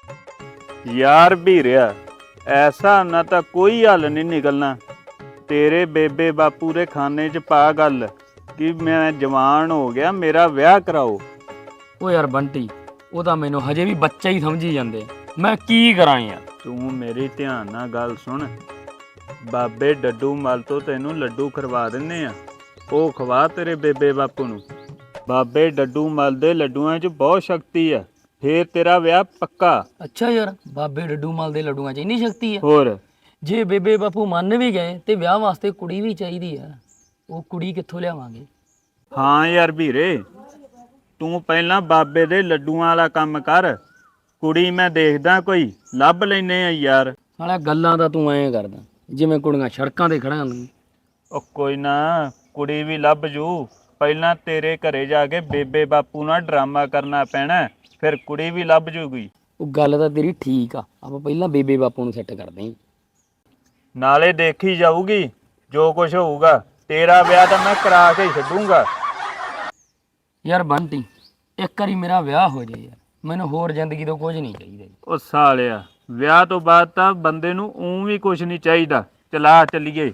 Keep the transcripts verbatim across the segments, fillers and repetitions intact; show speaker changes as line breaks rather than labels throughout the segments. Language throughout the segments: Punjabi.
यार भीरिया ऐसा ना तो कोई हल नहीं निकलना। तेरे बेबे बापू रे खाने च पा गल कि मैं जवान हो गया, मेरा ब्याह कराओ।
ਉਹ ਯਾਰ ਬੰਟੀ ਉਹ ਤਾਂ ਮੈਨੂੰ ਹਜੇ ਵੀ ਬੱਚਾ ਹੀ ਸਮਝੀ ਜਾਂਦੇ। ਮੈਂ ਕੀ ਕਰਾਂ ਯਾਰ।
तू मेरी ध्यान नाल गल सुन। बाबे डड्डू मल तो तेनू लड्डू खवा दिन्ने आ, ਉਹ ਖਵਾ ਤੇਰੇ ਬੇਬੇ ਬਾਪੂ ਨੂੰ। ਬਾਬੇ ਡੱਡੂ ਮਲ ਦੇ ਲੱਡੂਆਂ 'ਚ ਬਹੁਤ ਸ਼ਕਤੀ ਆ, ਫੇਰ ਤੇਰਾ ਵਿਆਹ ਪੱਕਾ।
ਅੱਛਾ ਯਾਰ ਬਾਬੇ ਡੱਡੂ ਮਲ ਦੇ ਲੱਡੂਆਂ 'ਚ ਇੰਨੀ ਸ਼ਕਤੀ ਹੈ?
ਹੋਰ
ਜੇ ਬੇਬੇ ਬਾਪੂ ਮੰਨ ਵੀ ਗਏ ਤੇ ਵਿਆਹ ਵਾਸਤੇ ਕੁੜੀ ਵੀ ਚਾਹੀਦੀ ਆ, ਉਹ ਕੁੜੀ ਕਿੱਥੋਂ ਲਿਆਵਾਂਗੇ?
ਹਾਂ ਯਾਰ ਵੀਰੇ, ਤੂੰ ਪਹਿਲਾਂ ਬਾਬੇ ਦੇ ਲੱਡੂਆਂ ਵਾਲਾ ਕੰਮ ਕਰ, ਕੁੜੀ ਮੈਂ ਦੇਖਦਾ ਕੋਈ ਲੱਭ ਲੈਨੇ ਆ ਯਾਰ।
ਸਾਲਾ ਗੱਲਾਂ ਤਾਂ ਤੂੰ ਐਂ ਕਰਦਾ ਜਿਵੇਂ ਕੁੜੀਆਂ ਸੜਕਾਂ ਤੇ ਖੜਾਂ ਨੇ।
ਉਹ ਕੋਈ ਨਾ, ਕੁੜੀ ਵੀ ਲੱਭ ਜੂ। ਪਹਿਲਾਂ ਤੇਰੇ ਘਰੇ ਜਾ ਕੇ ਬੇਬੇ ਬਾਪੂ ਨਾਲ ਡਰਾਮਾ ਕਰਨਾ ਪੈਣਾ, ਫਿਰ ਕੁੜੀ ਵੀ ਲੱਭ ਜੂਗੀ।
ਉਹ ਗੱਲ ਤਾਂ ਤੇਰੀ ਠੀਕ ਆ, ਆਪਾਂ ਪਹਿਲਾਂ ਬੇਬੇ ਬਾਪੂ ਨੂੰ ਸੈੱਟ ਕਰਦੇ ਆਂ,
ਨਾਲੇ ਦੇਖੀ ਜਾਊਗੀ ਜੋ ਕੁਝ ਹੋਊਗਾ। ਤੇਰਾ ਵਿਆਹ ਤਾਂ ਮੈਂ ਕਰਾ ਕੇ ਹੀ ਛੱਡੂੰਗਾ।
ਯਾਰ ਬੰਟੀ ਇੱਕ ਵਾਰੀ ਮੇਰਾ ਵਿਆਹ ਹੋ ਜਾਏ ਯਾਰ, ਮੈਨੂੰ ਹੋਰ ਜ਼ਿੰਦਗੀ ਤੋਂ ਕੁਝ ਨਹੀਂ ਚਾਹੀਦਾ।
ਉਹ ਸਾਲਿਆ, ਵਿਆਹ ਤੋਂ ਬਾਅਦ ਤਾਂ ਬੰਦੇ ਨੂੰ ਊਂ ਵੀ ਕੁਝ ਨਹੀਂ ਚਾਹੀਦਾ। ਚਲਾ ਚੱਲੀਏ।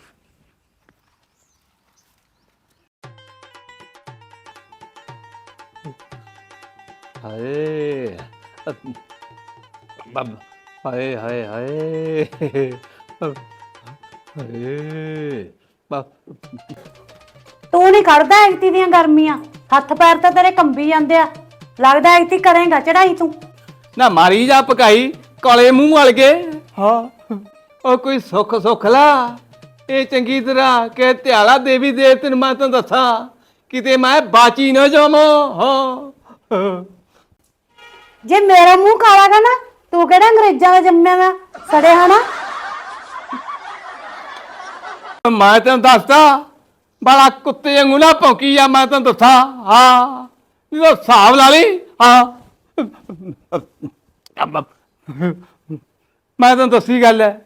ਹਾਏ ਬੱਬ, ਹਾਏ ਹਾਏ ਹਾਏ ਹਾਏ ਬੱਬ।
ਤੂੰ ਨਹੀਂ ਕੱਢਦਾ ਐਗਤੀ ਦੀਆਂ ਗਰਮੀਆਂ, ਹੱਥ ਪੈਰ ਤਾਂ ਤੇਰੇ ਕੰਬੀ ਜਾਂਦੇ ਆ। ਲੱਗਦਾ ਐਗਤੀ ਕਰੇਗਾ ਚੜਾਈ ਤੂੰ।
ਨਾ ਮਾਰੀ ਜਾ ਪਕਾਈ ਕਾਲੇ ਮੂੰਹ ਵਾਲ ਕੇ। ਹਾਂ ਉਹ ਕੋਈ ਸੁੱਖ ਸੁੱਖ ਲਾ, ਇਹ ਚੰਗੀ ਤਰ੍ਹਾਂ ਕਿ ਧਿਆਲਾ ਦੇਵੀ ਦੇਵਤੇ ਨੂੰ ਮੈਂ ਤੈਨੂੰ ਦੱਸਾਂ, ਕਿਤੇ ਮੈਂ ਬਾਚੀ ਨਾ ਜਾਵਾਂ। ਹਾਂ
ਜੇ ਮੇਰਾ ਮੂੰਹ ਕਾਲਾ ਗਾ ਨਾ, ਤੂੰ ਕਿਹੜਾ ਅੰਗਰੇਜ਼ਾਂ ਦਾ ਜੰਮਿਆ ਵਾ ਸੜੇ ਹਨਾ।
ਮੈਂ ਤੈਨੂੰ ਦੱਸਦਾ ਬੜਾ ਕੁੱਤੇ ਵਾਂਗੂ ਨਾ ਭੌਂਕੀ ਆ, ਮੈਂ ਤੈਨੂੰ ਦੱਸਾਂ। ਹਾਂ ਇਹ ਹਿਸਾਬ ਲਾ ਲਈ। ਹਾਂ ਮੈਂ ਤੈਨੂੰ ਦੱਸੀ ਗੱਲ ਹੈ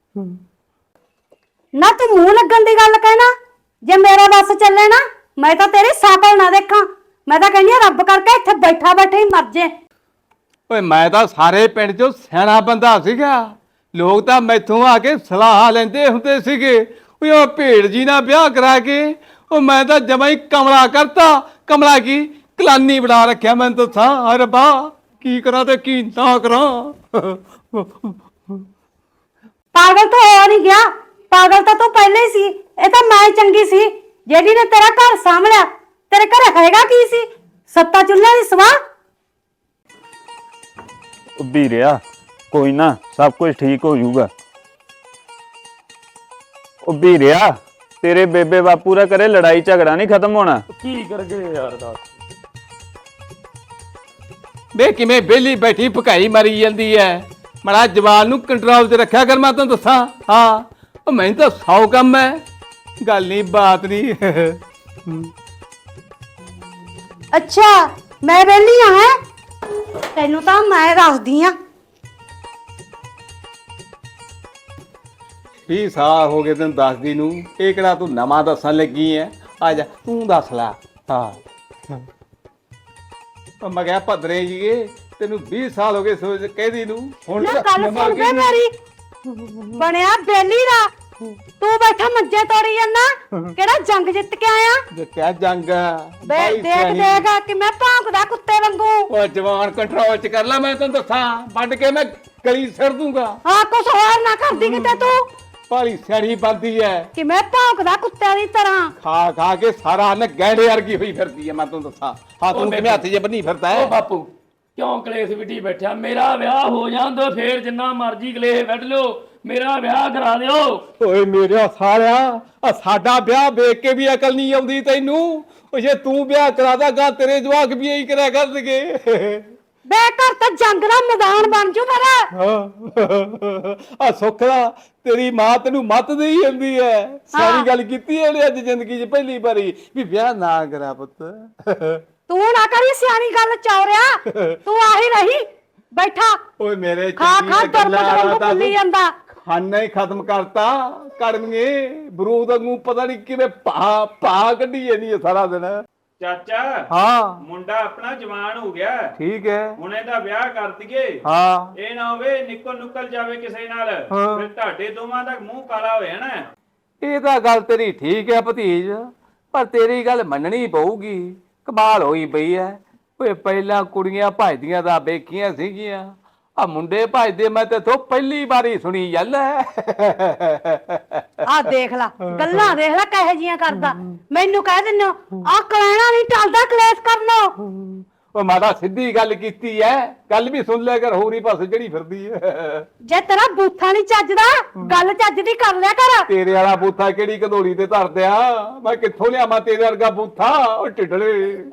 ਨਾ, ਤੂੰ ਮੂੰਹ ਲੱਗਣ ਦੀ ਗੱਲ ਕਹਿਣਾ। ਜੇ ਮੇਰਾ ਬੱਸ ਚੱਲੇ ਨਾ, ਮੈਂ ਤਾਂ ਤੇਰੀ ਸਾਕਲ ਨਾ ਦੇਖਾਂ। ਮੈਂ ਤਾਂ ਕਹਿੰਦੀ ਆ ਰੱਬ ਕਰਕੇ ਇੱਥੇ ਬੈਠਾ ਬੈਠੇ ਹੀ ਮਰ ਜੇ।
ਓਏ ਮੈਂ ਤਾਂ ਸਾਰੇ ਪਿੰਡ 'ਚੋਂ ਸਿਆਣਾ ਬੰਦਾ ਸੀਗਾ, ਲੋਕ ਤਾਂ ਮੈਥੋਂ ਆ ਕੇ ਸਲਾਹ ਲੈਂਦੇ ਹੁੰਦੇ ਸੀਗੇ। ਓਏ ਉਹ ਭੇੜ ਜੀ ਨਾਲ ਵਿਆਹ ਕਰਾ ਕੇ ਉਹ ਮੈਂ ਤਾਂ ਜਮਾਂ ਹੀ ਕਮਲਾ ਕਰਤਾ। ਕਮਲਾ ਕੀ ਕਲਾਨੀ ਬਣਾ ਰੱਖਿਆ। ਮੈਂ ਤਾਂ ਥਾਂ ਰੱਬਾ ਕੀ ਕਰਾਂ ਤੇ ਕੀ ਨਾ ਕਰਾਂ।
ਪਾਗਲ ਤਾਂ ਹੋ ਨਹੀਂ ਗਿਆ, ਪਾਗਲ ਤਾਂ ਤੂੰ ਪਹਿਲੇ ਹੀ ਸੀ। ਇਹ ਤਾਂ ਮੈਂ ਚੰਗੀ ਸੀ ਜਿਹੜੀ ਨੇ ਤੇਰਾ ਘਰ ਸਾਂਭਲਿਆ। ਤੇਰੇ ਘਰੇ ਹੈਗਾ ਕੀ ਸੀ? ਸੱਤਾ ਚੁੱਲ੍ਹਾ ਦੀ ਸਵਾਹ।
ਉਹ ਵੀਰਿਆ ਕੋਈ ਨਾ, ਸਭ ਕੁਝ ਠੀਕ ਹੋ ਜਾਊਗਾ। ਉਹ ਵੀਰਿਆ, ਤੇਰੇ ਬੇਬੇ ਬਾਪੂ ਦਾ ਕਰੇ ਲੜਾਈ ਝਗੜਾ ਨਹੀਂ ਖਤਮ ਹੋਣਾ।
ਕੀ ਕਰ ਗਏ ਯਾਰ ਦੱਸ।
ਵੇ ਕਿਵੇਂ ਵਿਹਲੀ ਬੈਠੀ ਭਕਾਈ ਮਾਰੀ ਜਾਂਦੀ ਐ। ਮੜਾ ਜਵਾਨ ਨੂੰ ਕੰਟਰੋਲ 'ਚ ਰੱਖਿਆ ਕਰ, ਮੈਂ ਤੈਨੂੰ ਦੱਸਾਂ। ਹਾਂ ਉਹ ਮੈਨੂੰ ਤਾਂ ਸੌ ਕੰਮ ਐ, ਗੱਲ ਨਹੀਂ ਬਾਤ ਨਹੀਂ।
ਅੱਛਾ ਮੈਂ ਵਿਹਲੀ ਆ ਹੈ? ਤੈਨੂੰ ਤਾਂ ਮੈਂ ਦੱਸਦੀ ਆ।
ਵੀਹ ਸਾਲ ਹੋ ਗਏ ਤੈਨੂੰ ਦੱਸਦੀ ਨੂੰ, ਇਹ ਕਿਹੜਾ ਤੂੰ ਨਵਾਂ ਦੱਸਣ ਲੱਗੀ ਐ? ਆ ਜਾ ਤੂੰ ਦੱਸ ਲੈ। ਹਾਂ ਉਹ ਮੈਂ ਕਿਹਾ ਭਦਰੇ ਜੀਏ, ਤੈਨੂੰ ਵੀਹ ਸਾਲ ਹੋ ਗਏ ਸੋਚ ਕਹਿਦੀ ਨੂੰ। ਹੁਣ
ਨਾ ਗੱਲ ਸੁਣ ਕੇ ਮੇਰੀ, ਬਣਿਆ ਬੇਲੀ ਦਾ ਤੂੰ ਬੈਠਾ ਮੰਜੇ ਤੋੜੀ ਜਾਂਦਾ। ਕਿਹੜਾ ਜੰਗ ਜਿੱਤ ਕੇ ਆਇਆ?
ਜਿੱਤਿਆ ਜੰਗ
ਬੇ ਦੇਖ ਦੇਖ ਕਿ ਮੈਂ ਭੌਂਕਦਾ ਕੁੱਤੇ ਵਾਂਗੂ।
ਉਹ ਜਵਾਨ ਕੰਟਰੋਲ 'ਚ ਕਰ ਲੈ, ਮੈਂ ਤੈਨੂੰ ਦੱਸਾਂ। ਵੱਢ ਕੇ ਮੈਂ ਗਲੀ ਸਿਰ ਦੂੰਗਾ।
ਹਾਂ ਕੁਛ ਹੋਰ ਨਾ ਕਰਦੀ ਕਿਤੇ ਤੂੰ।
ਭਾਰੀ ਸਿਆਣੀ ਬਣਦੀ ਐ,
ਕਿ ਮੈਂ ਭੌਂਕਦਾ ਕੁੱਤਿਆਂ ਦੀ ਤਰ੍ਹਾਂ।
ਖਾ ਖਾ ਕੇ ਸਾਰਾ ਨ ਗੈਂਡੇ ਵਰਗੀ ਹੋਈ ਫਿਰਦੀ ਐ, ਮੈਂ ਤੈਨੂੰ ਦੱਸਾਂ। ਹਾਂ ਤੂੰ ਕਿਵੇਂ ਹੱਥ ਜੇ ਬੰਨੀ ਫਿਰਦਾ
ਉਹ
ਹੈ?
ਬਾਪੂ ਕਿਉਂ ਕਲੇਸ਼ ਵਿਟੀ ਬੈਠਾ? ਮੇਰਾ ਵਿਆਹ ਹੋ ਜਾਂਦਾ ਫੇਰ ਜਿੰਨਾ ਮਰਜ਼ੀ ਕਲੇਸ਼ ਵੱਢ ਲਿਓ, ਮੇਰਾ ਵਿਆਹ ਕਰਾ ਦਿਓ।
ਓਏ ਮੇਰਾ ਸਾਲਿਆ, ਆ ਸਾਡਾ ਵਿਆਹ ਵੇਖ ਕੇ ਵੀ ਅਕਲ ਨਹੀਂ ਆਉਂਦੀ ਤੈਨੂੰ? ਉਹ ਜੇ ਤੂੰ ਵਿਆਹ ਕਰਾਦਾ ਗਾ ਤੇਰੇ ਜਵਾਕ ਵੀ ਇਹੀ ਕਰਿਆ ਕਰਨਗੇ।
ਬੇ ਘਰ ਤਾਂ ਜੰਗ ਦਾ ਮੈਦਾਨ ਬਣ ਜੂ ਮੇਰਾ।
ਆ ਸੁੱਖ ਦਾ ਤੇਰੀ ਮਾਂ ਤੈਨੂੰ ਮੱਤ ਦੇਈ ਜਾਂਦੀ ਐ। ਸਾਰੀ ਗੱਲ ਕੀਤੀ ਇਹਨੇ ਅੱਜ ਜ਼ਿੰਦਗੀ 'ਚ ਪਹਿਲੀ ਵਾਰੀ ਵੀ ਵਿਆਹ ਨਾ ਕਰਾ ਪੁੱਤ।
ਤੂੰ ਨਾ ਕਰੀ ਸਿਆਣੀ ਗੱਲ ਚੌਰਿਆ, ਤੂੰ ਆਹੀ ਰਹੀ ਬੈਠਾ।
ਓਏ ਮੇਰੇ
ਖਾ ਖਾ ਤੁਰਪਟ ਵਾਂਗੂ ਭੁੱਲੀ ਜਾਂਦਾ।
ਖਾਨਾ ਹੀ ਖਤਮ ਕਰਤਾ ਕੜਮੀਏ, ਬਰੂਦ ਵਾਂਗੂ ਪਤਾ ਨਹੀਂ ਕਿਵੇਂ ਭਾ ਭਾ ਕੱਢੀ ਜਾਂਦੀ ਐ ਸਾਰਾ ਦਿਨ।
ਚਾਚਾ
ਹਾਂ
ਮੁੰਡਾ ਆਪਣਾ ਜਵਾਨ ਹੋ ਗਿਆ,
ਠੀਕ ਹੈ।
ਹੁਣ ਇਹਦਾ ਵਿਆਹ ਕਰ ਦਈਏ।
ਹਾਂ
ਇਹ ਨਾ ਹੋਵੇ ਨਿਕਲ ਨੁਕਲ ਜਾਵੇ ਕਿਸੇ ਨਾਲ,
ਹਾਂ।
ਫਿਰ ਤੁਹਾਡੇ ਦੋਵਾਂ ਦਾ ਮੂੰਹ ਕਾਲਾ ਹੋ ਜਾਣਾ।
ਇਹ ਤਾਂ ਗੱਲ ਤੇਰੀ ਠੀਕ ਹੈ ਭਤੀਜ, ਪਰ ਤੇਰੀ ਗੱਲ ਮੰਨਣੀ ਪਊਗੀ। ਕਮਾਲ ਹੋਈ ਪਈ ਐ। ਓਏ ਪਹਿਲਾਂ ਕੁੜੀਆਂ ਭਜਦੀਆਂ ਦਾ ਵੇਖੀਆਂ ਸੀਗੀਆਂ, ਆ ਮੁੰਡੇ ਭਜਦੇ ਮੈਂ ਤੇ ਤੋਂ ਪਹਿਲੀ ਵਾਰੀ ਸੁਣੀ ਗੱਲ ਐ।
ਆ ਦੇਖ ਲਾ ਗੱਲਾਂ, ਦੇਖ ਲੈ ਕਹੇ ਜੀਆਂ ਕਰਦਾ। ਮੈਨੂੰ ਕਹਿ ਦਿੰਦੇ ਆ ਕਲੈਣਾ ਨਹੀਂ ਟਲਦਾ, ਕਲੇਸ਼ ਕਰਨੋ।
ਉਹ ਮਾਤਾ ਸਿੱਧੀ ਗੱਲ ਕੀਤੀ ਐ, ਗੱਲ ਵੀ ਸੁਣ ਲਿਆ ਕਰ, ਹੋਰ ਹੀ ਪਾਸੇ ਜਿਹੜੀ ਫਿਰਦੀ ਐ।
ਜੇ ਤੇਰਾ ਬੂਥਾ ਨਹੀਂ ਚੱਜਦਾ, ਗੱਲ ਚੱਜ ਦੀ ਕਰ ਲਿਆ ਕਰ।
ਤੇਰੇ ਵਾਲਾ ਬੂਥਾ ਕਿਹੜੀ ਕਧੋਲੀ ਤੇ ਧਰਦਿਆ, ਮੈਂ ਕਿੱਥੋਂ ਲਿਆਵਾਂ ਤੇਰੇ ਵਰਗਾ ਬੂਥਾ, ਉਹ ਢਿੱਡਲੇ।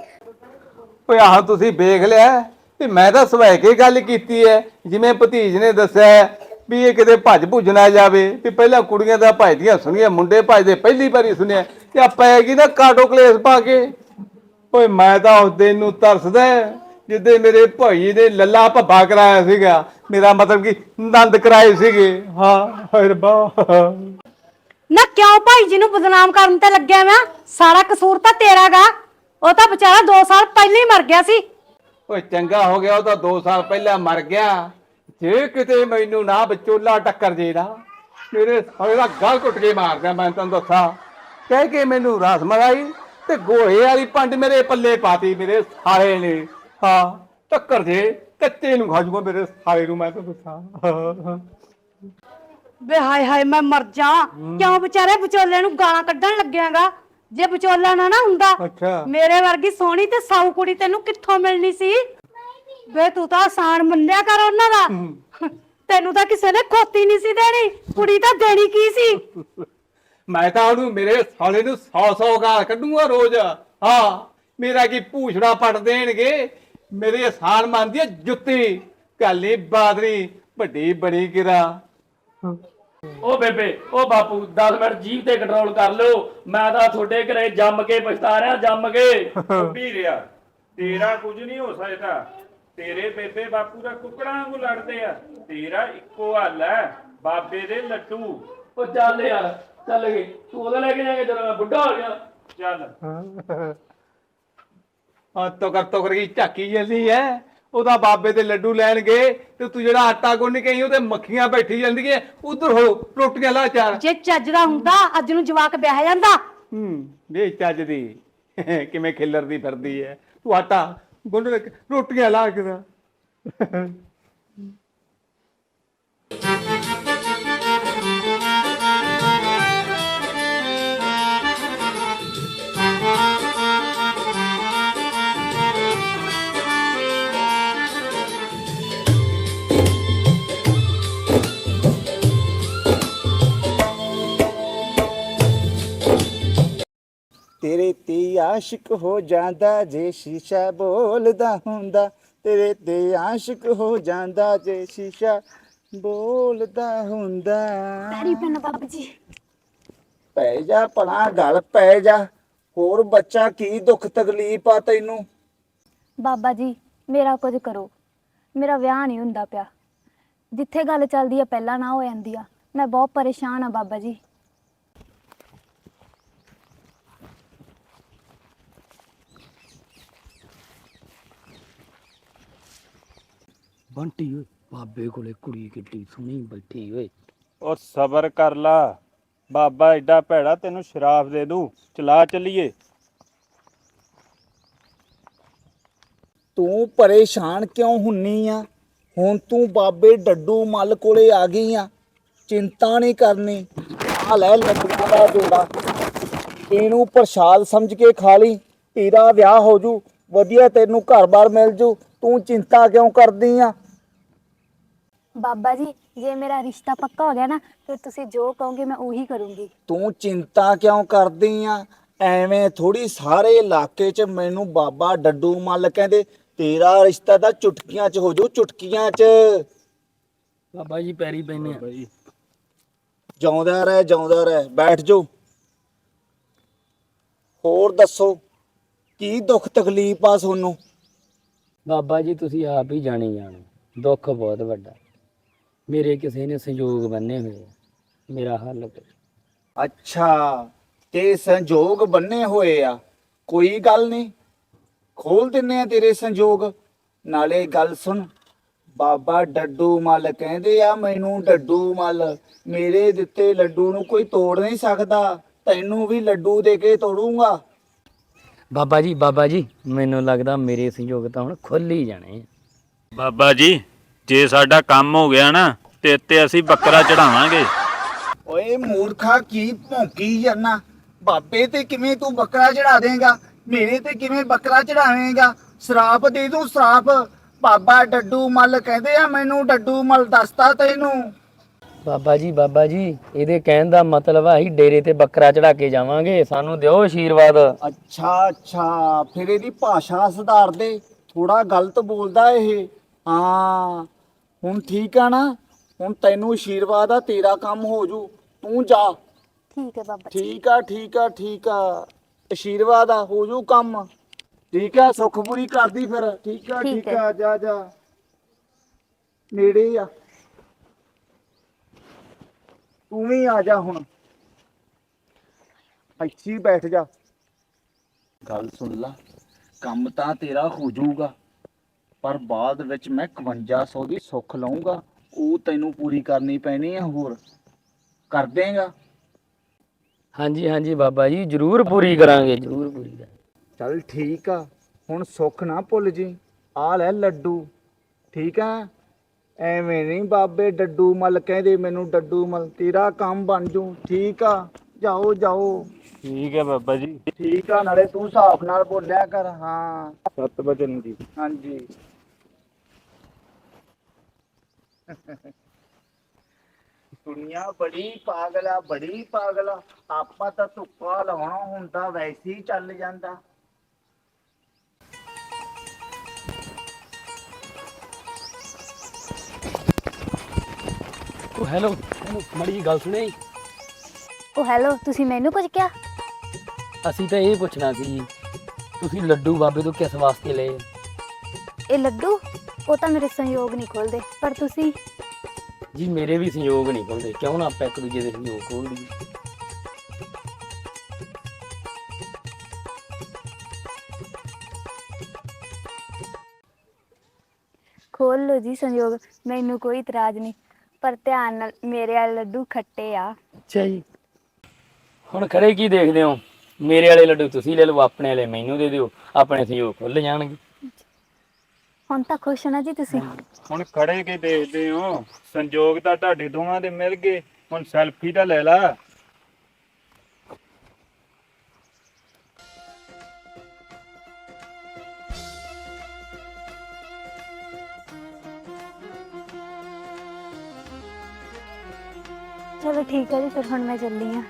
ਓਏ ਆਹ ਤੁਸੀਂ ਵੇਖ ਲਿਆ ਵੀ ਮੈਂ ਤਾਂ ਸਵੈ ਕੇ ਗੱਲ ਕੀਤੀ ਐ, ਜਿਵੇਂ ਭਤੀਜ ਨੇ ਦੱਸਿਆ ਵੀ ਇਹ ਕਿਤੇ ਭੱਜ ਭੁੱਜ ਨਾ ਜਾਵੇ, ਵੀ ਪਹਿਲਾਂ ਕੁੜੀਆਂ ਦਾ ਭਜਦੀਆਂ ਸੁਣੀਆਂ, ਮੁੰਡੇ ਭਜਦੇ ਪਹਿਲੀ ਵਾਰੀ ਸੁਣਿਆ, ਤੇ ਆ ਪੈ ਗਈ ਨਾ ਕਾਟੋ ਕਲੇਸ਼ ਪਾ ਕੇ। ਓਏ ਮੈਂ ਤਾਂ ਉਸ ਦਿਨ ਨੂੰ ਤਰਸਦਾ ਜਿੱਦੇ ਮੇਰੇ ਭਾਈ ਨੇ ਲੱਲਾ ਭੱਬਾ ਕਰਾਇਆ ਸੀਗਾ, ਮੇਰਾ ਮਤਲਬ ਕਿ ਨੰਦ ਕਰਾਏ ਸੀਗੇ। ਹਾਂ ਹਾਏ ਰੱਬਾ।
ਨਾ ਕਿਉਂ ਭਾਈ ਜੀ ਨੂੰ ਬਦਨਾਮ ਕਰਨ ਤੇ ਲੱਗਿਆ ਮੈਂ? ਸਾਰਾ ਕਸੂਰ ਤਾਂ ਤੇਰਾ ਗਾ। ਉਹ ਤਾਂ ਵਿਚਾਰਾ ਦੋ ਸਾਲ ਪਹਿਲਾਂ ਹੀ ਮਰ ਗਿਆ ਸੀ।
ਓਏ ਚੰਗਾ ਹੋ ਗਿਆ, ਉਹ ਤਾਂ ਦੋ ਸਾਲ ਪਹਿਲਾਂ ਮਰ ਗਿਆ। ਜੇ ਕਿਤੇ ਮੈਨੂੰ ਨਾ ਵਿਚੋਲਾ ਟੱਕਰ ਜੇ ਨਾ, ਮੇਰੇ ਸਾਲੇ ਦਾ ਗਲ ਘੁੱਟ ਕੇ ਮਾਰਦਾ। ਮੈਂ ਤੈਨੂੰ ਦੱਸਾਂ, ਕਹਿ ਕੇ ਮੈਨੂੰ ਰਸ ਮਲਾਈ ਤੇ ਗੋਹੇ ਵਾਲੀ ਪੰਡ ਮੇਰੇ ਪੱਲੇ ਪਾਤੀ ਮੇਰੇ ਸਾਲੇ ਨੇ। ਹਾਂ ਟੱਕਰ ਜੇ ਕੱਚੇ ਨੂੰ ਖਾ ਜੂਗਾ ਮੇਰੇ ਸਾਲੇ ਨੂੰ, ਮੈਂ ਤੈਨੂੰ ਦੱਸਾਂ।
ਵੇ ਹਾਏ ਹਾਏ ਮੈਂ ਮਰ ਜਾ। ਕਿਉਂ ਵਿਚਾਰੇ ਵਿਚੋਲੇ ਨੂੰ ਗਾਲਾਂ ਕੱਢਣ ਲੱਗਿਆਗਾ? ਜੇ ਵਿਚੋਲਾ ਨਾ ਨਾ ਹੁੰਦਾ,
ਅੱਛਾ
ਮੇਰੇ ਵਰਗੀ ਸੋਹਣੀ ਤੇ ਸਾਊ ਕੁੜੀ ਤੈਨੂੰ ਕਿੱਥੋਂ ਮਿਲਣੀ ਸੀ? ਵੇ ਤੂੰ ਤਾਂ ਆਸਾਨ ਮੰਨਿਆ ਕਰ ਉਹਨਾਂ ਦਾ। ਤੈਨੂੰ ਤਾਂ ਕਿਸੇ ਨੇ ਖੋਤੀ ਨਹੀਂ ਸੀ ਦੇਣੀ, ਕੁੜੀ ਤਾਂ ਦੇਣੀ ਕੀ ਸੀ?
ਮੈਂ ਤਾਂ ਉਹਨੂੰ ਮੇਰੇ ਸਾਲੇ ਨੂੰ ਸੌ ਸੌ ਗਾਲ ਕੱਢੂਗਾ ਰੋਜ਼। ਹਾਂ ਮੇਰਾ ਕੀ ਪੂਛੜਾ ਪੱਟ ਦੇਣਗੇ, ਮੇਰੇ ਆਸਾਨ ਮੰਨਦੀ ਹੈ ਜੁੱਤੀ। ਕਾਲੀ ਬਾਦਰੀ ਵੱਡੀ ਬਣੀ ਕਿਰਾ।
ਉਹ ਬੇਬੇ ਉਹ ਬਾਪੂ ਦਸ ਮਿੰਟ ਜੀਭ ਤੇ ਕੰਟਰੋਲ ਕਰ ਲਿਓ। ਮੈਂ ਤਾਂ ਤੁਹਾਡੇ ਘਰੇ ਜੰਮ ਕੇ ਪਛਤਾ ਰਿਹਾ, ਜੰਮ ਕੇ।
ਵੀ ਰਿਆ ਤੇਰਾ ਕੁਝ ਨਹੀਂ ਹੋ ਸਕਦਾ। ਤੇਰੇ ਬੇਬੇ ਬਾਪੂ ਦਾ ਕੁੱਕੜਾਂ ਵਾਂਗੂ ਲੜਦੇ ਆ, ਤੇਰਾ ਇੱਕੋ ਹੱਲ ਹੈ, ਬਾਬੇ ਦੇ ਲੱਡੂ।
ਉਹ ਚੱਲ ਯਾਰ ਚੱਲ ਗਏ, ਤੂੰ ਉਹਦੇ ਲੈ ਕੇ ਜਾਏਂਗੇ ਜਦੋਂ ਮੈਂ ਬੁੱਢਾ ਹੋ ਗਿਆ।
ਚੱਲ
ਹਾਂ ਤੋ ਕਰ ਤੋ ਕਰ ਝਾਕੀ ਜਾਂਦੀ ਐ। ਉਹਦਾ ਬਾਬੇ ਦੇ ਲੱਡੂ ਲੈਣ ਗਏ ਤੇ ਤੂੰ ਜਿਹੜਾ ਆਟਾ ਗੁੰਨ ਕੇ ਆਈ ਉਹ ਤੇ ਮੱਖੀਆਂ ਬੈਠੀ ਜਾਂਦੀਆਂ। ਉਧਰ ਹੋ ਰੋਟੀਆਂ ਲਾ ਚਾਰ।
ਜੇ ਚੱਜ ਦਾ ਹੁੰਦਾ ਅੱਜ ਨੂੰ ਜਵਾਕ ਵਿਆਹ ਜਾਂਦਾ।
ਹੂੰ ਵੇ ਚੱਜ ਦੀ ਕਿਵੇਂ ਖਿੱਲਰਦੀ ਫਿਰਦੀ ਐ। ਤੂੰ ਆਟਾ ਗੁੰਨ ਕੇ ਰੋਟੀਆਂ ਲਾ ਕੇ ਦਾ।
ਤੇਰੇ ਤੇ ਆਸ਼ਿਕ ਹੋ ਜਾਂਦਾ ਜੇ ਸ਼ੀਸ਼ਾ ਬੋਲਦਾ ਹੁੰਦਾ, ਤੇਰੇ ਤੇ ਆਸ਼ਿਕ ਹੋ ਜਾਂਦਾ ਜੇ ਸ਼ੀਸ਼ਾ ਬੋਲਦਾ ਹੁੰਦਾ।
ਪੈਰੀ ਪੈਣਾ ਬਾਬਾ ਜੀ।
ਪੈ ਜਾ ਭਲਾ ਗੱਲ ਪੈ ਜਾ। ਹੋਰ ਬੱਚਾ ਕੀ ਦੁੱਖ ਤਕਲੀਫ ਆ ਤੈਨੂੰ?
ਬਾਬਾ ਜੀ ਮੇਰਾ ਕੁਝ ਕਰੋ, ਮੇਰਾ ਵਿਆਹ ਨਹੀਂ ਹੁੰਦਾ ਪਿਆ। ਜਿੱਥੇ ਗੱਲ ਚੱਲਦੀ ਆ ਪਹਿਲਾਂ ਨਾ ਹੋ ਜਾਂਦੀ ਆ। ਮੈਂ ਬਹੁਤ ਪਰੇਸ਼ਾਨ ਆ ਬਾਬਾ ਜੀ।
ਬੰਟੀ ਓਏ ਬਾਬੇ ਕੋਲੇ ਕੁੜੀ ਕਿੱਡੀ ਸੋਹਣੀ ਬੈਠੀ ਓਏ।
ਉਹ ਸਬਰ ਕਰ ਲਾ, ਬਾਬਾ ਐਡਾ ਭੈੜਾ ਤੈਨੂੰ ਸ਼ਰਾਫ ਦੇ ਦੂ। ਚਲਾ ਚੱਲੀਏ।
ਤੂੰ ਪਰੇਸ਼ਾਨ ਕਿਉਂ ਹੁੰਨੀ ਆ? ਹੁਣ ਤੂੰ ਬਾਬੇ ਡੱਡੂ ਮੱਲ ਕੋਲੇ ਆ ਗਈ ਆ, ਚਿੰਤਾ ਨਹੀਂ ਕਰਨੀ। ਆ ਲੈ ਲੱਡੂਆਂ ਦਾ ਜੋੜਾ, ਇਹਨੂੰ ਪ੍ਰਸ਼ਾਦ ਸਮਝ ਕੇ ਖਾ ਲਈ। ਤੇਰਾ ਵਿਆਹ ਹੋ ਜੂ, ਵਧੀਆ ਤੈਨੂੰ ਘਰ-ਬਾਰ ਮਿਲ ਜੂ। ਤੂੰ ਚਿੰਤਾ ਕਿਉਂ ਕਰਦੀ ਆ?
ਬਾਬਾ ਜੀ ਜੇ ਮੇਰਾ ਰਿਸ਼ਤਾ ਪੱਕਾ ਹੋ ਗਿਆ ਨਾ, ਫਿਰ ਤੁਸੀਂ ਜੋ ਕਹੋਗੇ ਮੈਂ ਉਹੀ ਕਰੂੰਗੀ।
ਤੂੰ ਚਿੰਤਾ ਕਿਉਂ ਕਰਦੀ ਆ? ਐਵੇਂ ਥੋੜੀ ਸਾਰੇ ਇਲਾਕੇ 'ਚ ਮੈਨੂੰ ਬਾਬਾ ਡੱਡੂ ਮੱਲ ਕਹਿੰਦੇ। ਤੇਰਾ ਰਿਸ਼ਤਾ ਤਾਂ ਚੁਟਕੀਆਂ 'ਚ ਹੋ ਜੂ, ਚੁਟਕੀਆਂ 'ਚ।
ਬਾਬਾ ਜੀ ਪੈਰੀ ਪੈਨੇ ਆ।
ਜਿਉਂਦਾ ਰਹਿ, ਜਿਉਂਦਾ ਰਹਿ। ਬੈਠ ਜਾਓ। ਹੋਰ ਦੱਸੋ ਕੀ ਦੁੱਖ ਤਕਲੀਫ ਆ ਤੁਹਾਨੂੰ?
ਬਾਬਾ ਜੀ ਤੁਸੀਂ ਆਪ ਹੀ ਜਾਣੀ ਜਾਣੋ, ਦੁੱਖ ਬਹੁਤ ਵੱਡਾ। ਮੇਰੇ ਕਿਸੇ ਨੇ ਸੰਯੋਗ ਬੰਨੇ ਹੋਏ ਆ, ਮੇਰਾ ਹੱਲ ਕਰੋ।
ਅੱਛਾ ਤੇ ਸੰਜੋਗ ਬੰਨੇ ਹੋਏ ਆ। ਕੋਈ ਗੱਲ ਨਹੀਂ, ਖੋਲ ਦਿੰਨੇ ਆ ਤੇਰੇ ਸੰਜੋਗ। ਨਾਲੇ ਗੱਲ ਸੁਣ, ਬਾਬਾ ਡੱਡੂ ਮੱਲ ਕਹਿੰਦੇ ਆ ਮੈਨੂੰ ਡੱਡੂ ਮੱਲ, ਮੇਰੇ ਦਿੱਤੇ ਲੱਡੂ ਨੂੰ ਕੋਈ ਤੋੜ ਨਹੀਂ ਸਕਦਾ, ਤੈਨੂੰ ਵੀ ਲੱਡੂ ਦੇ ਕੇ ਤੋੜੂੰਗਾ।
ਬਾਬਾ ਜੀ ਬਾਬਾ ਜੀ ਮੈਨੂੰ ਲੱਗਦਾ ਮੇਰੇ ਸੰਯੋਗ ਤਾਂ ਹੁਣ ਖੁੱਲ ਹੀ ਜਾਣੇ ਆ।
ਬਾਬਾ ਜੀ ਜੇ ਸਾਡਾ ਕੰਮ ਹੋ ਗਿਆ ਨਾ ਤੇ ਤੇ ਅਸੀਂ ਬੱਕਰਾ ਚੜਾਵਾਂਗੇ।
ਓਏ ਮੂਰਖਾ, ਕੀ ਭੌਂਕੀ ਜਾਂਦਾ? ਬਾਬੇ ਤੇ ਕਿਵੇਂ ਤੂੰ ਬੱਕਰਾ ਚੜਾ ਦੇਂਗਾ, ਮੇਰੇ ਤੇ ਕਿਵੇਂ ਬੱਕਰਾ ਚੜਾਵੇਂਗਾ? ਸਰਾਪ ਦੇ ਦੂੰ ਸਰਾਪ। ਬਾਬਾ ਡੱਡੂ ਮੱਲ ਕਹਿੰਦੇ ਆ ਮੈਨੂੰ ਡੱਡੂ ਮੱਲ, ਦੱਸਤਾ ਤੈਨੂੰ।
ਬਾਬਾ ਜੀ ਬਾਬਾ ਜੀ ਇਹਦੇ ਕਹਿਣ ਦਾ ਮਤਲਬ ਆ ਅਸੀਂ ਡੇਰੇ ਤੇ ਬੱਕਰਾ ਚੜਾ ਕੇ ਜਾਵਾਂਗੇ, ਸਾਨੂੰ ਦਿਓ ਆਸ਼ੀਰਵਾਦ।
ਅੱਛਾ ਅੱਛਾ, ਫਿਰ ਇਹਦੀ ਭਾਸ਼ਾ ਸੁਧਾਰ ਦੇ, ਥੋੜਾ ਗਲਤ ਬੋਲਦਾ ਇਹ। ਹਾਂ ਹੁਣ ਠੀਕ ਆ ਨਾ? ਹੁਣ ਤੈਨੂੰ ਆਸ਼ੀਰਵਾਦ ਆ, ਤੇਰਾ ਕੰਮ ਹੋ ਜੂ, ਤੂੰ ਜਾ।
ਠੀਕ ਹੈ ਬਾਬਾ ਜੀ।
ਠੀਕ ਆ ਠੀਕ ਆ ਠੀਕ ਆ, ਆਸ਼ੀਰਵਾਦ ਆ, ਹੋ ਜੂ ਕੰਮ। ਠੀਕ ਆ, ਸੁੱਖ ਪੂਰੀ ਕਰਦੀ ਫਿਰ। ਠੀਕ ਆ
ਠੀਕ
ਠੀਕ ਆ, ਜਾ ਜਾ, ਨੇੜੇ ਆ। ਤੂੰ ਵੀ ਆ ਜਾ ਹੁਣ, ਇੱਥੇ ਹੀ ਬੈਠ ਜਾ। ਗੱਲ ਸੁਣ ਲਾ, ਕੰਮ ਤਾਂ ਤੇਰਾ ਹੋ ਜਾਊਗਾ, ਪਰ ਬਾਅਦ ਵਿੱਚ ਮੈਂ ਇਕਵੰਜਾ ਸੌ ਦੀ ਸੁੱਖ ਲਊਂਗਾ, ਉਹ ਤੈਨੂੰ ਪੂਰੀ ਕਰਨੀ ਪੈਣੀ ਆ। ਹੋਰ ਕਰ ਦੇਂਗਾ?
ਹਾਂਜੀ ਹਾਂਜੀ ਬਾਬਾ ਜੀ ਜ਼ਰੂਰ ਪੂਰੀ ਕਰਾਂਗੇ, ਜ਼ਰੂਰ ਪੂਰੀ ਕਰਾਂਗੇ।
ਚੱਲ ਠੀਕ ਆ, ਹੁਣ ਸੁੱਖ ਨਾ ਭੁੱਲ ਜੀ। ਆ ਲੈ ਲੱਡੂ, ਠੀਕ ਆ? ਐਵੇਂ ਨਹੀਂ ਬਾਬੇ ਡੱਡੂ ਮੱਲ ਕਹਿੰਦੇ ਮੈਨੂੰ ਡੱਡੂ ਮੱਲ, ਤੇਰਾ ਕੰਮ ਬਣ ਜੂ। ਠੀਕ ਆ, ਜਾਓ ਜਾਓ।
ਠੀਕ ਹੈ ਬਾਬਾ ਜੀ।
ਠੀਕ ਆ, ਨਾਲੇ ਤੂੰ ਹਿਸਾਬ ਨਾਲ ਬੋਲਿਆ ਕਰ। ਹਾਂ
ਸੱਤ ਵਜਨ ਦੀ।
ਹਾਂਜੀ। ਦੁਨੀਆ ਬੜੀ ਪਾਗਲ ਆ, ਬੜੀ ਪਾਗਲ ਆ। ਆਪਾਂ ਤਾਂ ਧੁੱਪਾ ਲਾਉਣਾ ਹੁੰਦਾ, ਵੈਸੇ ਹੀ ਚੱਲ ਜਾਂਦਾ।
ਉਹ ਹੈਲੋ ਮੜੀ ਗੱਲ ਸੁਣੇ।
ਉਹ ਹੈਲੋ, ਤੁਸੀਂ ਮੈਨੂੰ ਕੁਝ ਕਿਹਾ?
ਅਸੀਂ ਤਾਂ ਇਹ ਪੁੱਛਣਾ ਸੀ ਤੁਸੀਂ ਲੱਡੂ ਬਾਬੇ ਤੋਂ ਕਿਸ ਵਾਸਤੇ ਲਏ?
ਇਹ ਲੱਡੂ ਉਹ ਤਾਂ ਮੇਰੇ ਸੰਯੋਗ ਨਹੀਂ ਖੋਲਦੇ, ਪਰ ਤੁਸੀਂ
ਜੀ ਮੇਰੇ ਵੀ ਸੰਯੋਗ ਨਹੀਂ ਖੁੱਲਦੇ, ਕਿਉਂ ਨਾ ਆਪਾਂ ਇੱਕ ਦੂਜੇ ਦੇ ਸੰਯੋਗ ਖੋਲ ਲਈਏ।
ਖੋਲ ਲਓ ਜੀ ਸੰਯੋਗ, ਮੈਨੂੰ ਕੋਈ ਇਤਰਾਜ਼ ਨਹੀਂ, ਪਰ ਧਿਆਨ ਨਾਲ, ਮੇਰੇ ਵਾਲੇ ਲੱਡੂ ਖੱਟੇ ਆ।
ਅੱਛਾ ਜੀ, ਹੁਣ ਖੜੇ ਕੀ ਦੇਖਦੇ ਹੋ? ਮੇਰੇ ਵਾਲੇ ਲੱਡੂ ਤੁਸੀਂ ਲੈ ਲਓ, ਆਪਣੇ ਵਾਲੇ ਮੈਨੂੰ ਦੇ ਦਿਓ, ਆਪਣੇ ਸੰਯੋਗ ਖੁੱਲ ਜਾਣਗੇ।
ਹੁਣ ਤਾਂ ਖੁਸ਼ ਹੋ ਨਾ ਜੀ ਤੁਸੀਂ?
ਹੁਣ ਖੜੇ ਕੇ ਦੇਖਦੇ ਹੋ, ਸੰਜੋਗ ਤਾਂ ਤੁਹਾਡੇ ਦੋਵਾਂ ਦੇ ਮਿਲ ਗਏ, ਹੁਣ ਸੈਲਫੀ ਤਾਂ ਲੈ ਲਾ।
ਚਲੋ ਠੀਕ ਹੈ ਜੀ, ਫਿਰ ਹੁਣ ਮੈਂ ਚੱਲੀ ਆ।